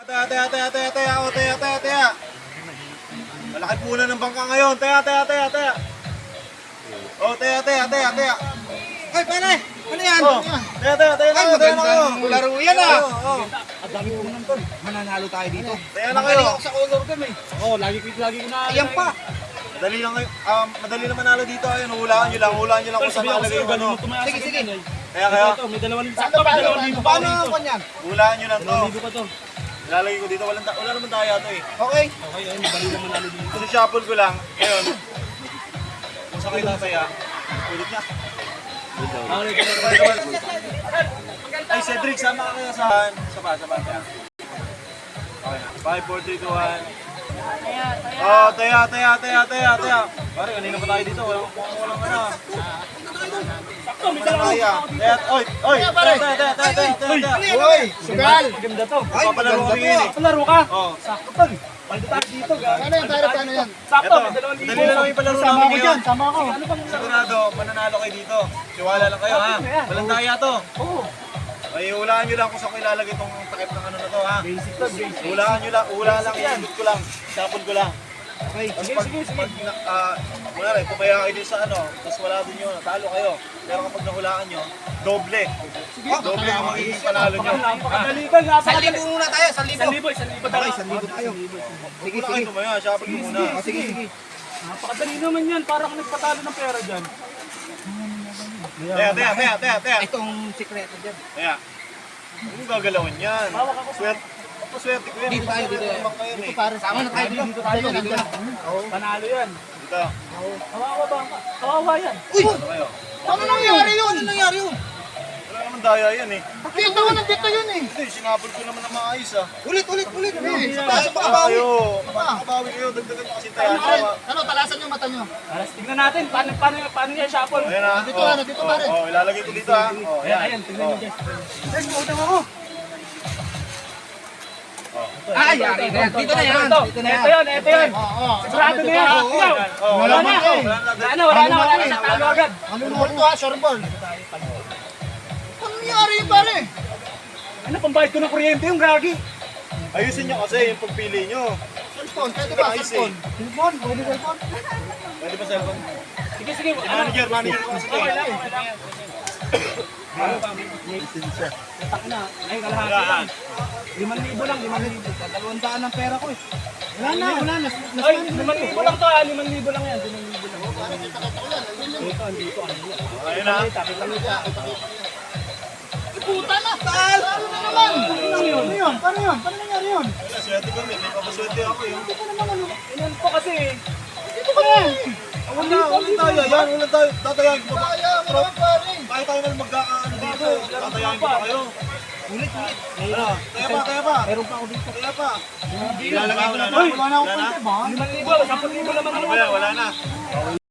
Teya. Malaki puna ng bangka ngayon. Teya. Oh, teya. Ay, pare! Ano yan? Oh, teya Ay, na magandang kayo. laro yan ah! Oh. Ang dami po ng tol. Mananalo tayo dito. Teya na kayo. Magaling ako sa color game eh. Oo, lagi ko na. Ayan pa! Madali lang kayo. Madali lang manalo dito. Ayun, hulaan nyo lang kung saan nakalagay yung ano. Sige, sige. Kaya kayo, May dalawang Sakto, paano ako niyan? hulaan nyo lang to. Libo pa to. Nilalagay ko dito. Wala naman tayo to eh. Okay. Okay, ayun, bali naman nalo dito. Kung shuffle ko lang, ngayon, kung saan kayo tataya, ulit na. Ay, Cedric, sama ka kaya sa kaya. Okay na. 5, 4, 3, 2, 1. Oh, taya. Pare, kanina pa tayo dito. Walang ano. Sakto, may Walang dalawang. kaya. Oy, taya. Uy! Sugal! Maganda to. Ay, Papalaro maganda kami ngayon eh. Palaro ka. Oh. Sakto tol. Paldo tayo dito. Ano yan, pare? Paano yan? Sakto, Eto, may dalawang libo. dali na lang yung palaro Sama namin ako ngayon. dyan, sama ako. Ano bang Sigurado, mananalo kayo dito. Tiwala lang kayo ha. Walang daya to. Oo. Ay, hulaan nyo lang kung saan ko ilalagay itong takip ng ano na to ha. Basic to, basic. Hulaan nyo lang, lang, iikot ko lang. Shuffle ko lang. Okay. Tapos pag wala rin, pumaya kayo din sa ano, tapos wala din yun, talo kayo. Pero kapag nahulaan nyo, doble. Doble ang magiging panalo nyo. Napakadali tol, napakadali. 1,000 muna tayo, 1,000. 1,000 Okay, 1,000 tayo. Sige, Wala sige. kayo tumaya, shuffle ko muna. Sige, sige. Napakadali naman yan, parang nagpatalo ng pera dyan. Taya. Itong sikreto dyan. Taya. Huwag gagalawin yan. Swerte ko yan. Dito tayo, dito tayo. Dito pare, sama na tayo dito. Dito tayo, dito na. Panalo yan. Dito. Kawawa ba? Kawawa yan. Uy! Ano kayo? Ano nangyari yun? Ano nangyari yun? Wala naman daya yan eh. Dito nga, nandito yun eh. Hindi, sinabol ko naman na maayos ah. Ulit. Sa Pasok pa kabawi. Makabawi kayo, dagdagan nyo kasi tayo. Ano, talasan yung mata nyo. Alas, tignan natin. Paano yan shuffle? Ayan ah. Dito pare. Oh, ilalagay ko dito ah. Oh, Ayan, tignan nyo dyan. Guys, utang ako. Ay, yari na yan. Dito na yan. Dito na yan. Ito yun. Oo. Sigurado na yan. Ikaw. Oh, Wala na. eh. Wala na. Sa talo agad. Ano to ha, short ball. Ano nangyari yun pare? Ano, pambayad ko ng kuryente yung gagi. ayusin nyo kasi yung pagpili nyo. Cellphone, pwede ba? Ayos eh. Cellphone. Cellphone, pwede cellphone. Pwede ba cellphone? Sige. Manager ko kasi. Okay lang. Tatak na. Ay, kalahati lang. 5,000 lang, 5,000. 200 ang pera ko eh. Wala na. Ay, 5,000 lang to ha. 5,000 lang yan. 5,000 lang. Dito. Ayun na. Puta na! Ano na naman? Ano yun? Paano nangyari yun? Wala, swerte kami. May papaswerte ako yun. Inan po kasi. Dito ka na! Walang tayo. Yan, walang tayo. Tatayain ko ba? Kaya mo naman pare! Kaya tayo na magkakaano dito. Tatayain ko pa kayo. Ulit. Ano? Kaya pa. Meron pa ako dito. Kaya pa. Wala na. Wala na akong konti ba? 5,000, 10,000 naman. Ano ba yan? Wala na.